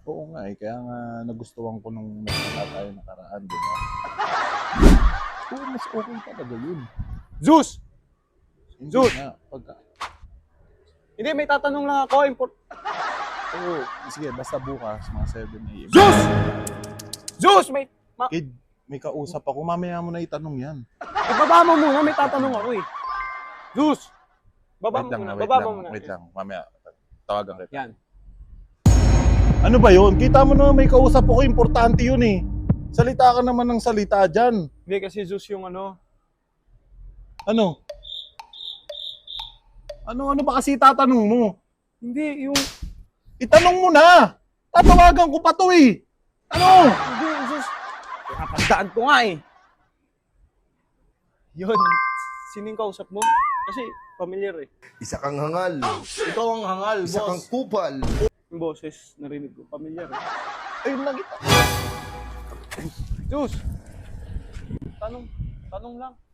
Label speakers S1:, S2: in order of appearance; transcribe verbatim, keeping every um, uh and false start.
S1: Oo nga eh, kaya nga nagustuhan ko nung nagkita tayo nakaraan, di ba? Oo, mas okay talaga yun.
S2: Zeus!
S1: Hindi
S2: Zeus!
S1: nga, pagka...
S2: Hindi, may tatanong lang ako. Import...
S1: Oo, sige, basta bukas, mga seven a m
S2: Zeus! Zeus! May... Ma...
S1: Kid, may kausap ako, mamaya mo na itanong yan.
S2: Ibaba mo muna, may tatanong ako eh. Zeus! Baba
S1: Wait
S2: mo
S1: lang,
S2: muna,
S1: wait
S2: baba
S1: lang,
S2: mo muna.
S1: wait lang, mamaya, tawagan kita.
S2: Yan.
S1: Ano ba yun? Kita mo na may kausap ako, importante yun eh. Salita ka naman ng salita dyan.
S2: Hindi kasi Zeus yung ano.
S1: Ano? Ano, ano ba kasi tatanong mo?
S2: Hindi, yung...
S1: Itanong mo na! Tatawagan ko pa to eh! Ano?
S2: Hindi, Zeus. Napagdaan ko nga eh. Yun. Sino yung kausap mo? Kasi familiar eh.
S3: Isa kang hangal.
S1: Ikaw ang hangal,
S3: Isa kang
S1: boss.
S3: kupal.
S2: Yung boses, narinig ko. Familiar eh.
S1: Ayun lang kita.
S2: Zeus! Tanong, tanong lang.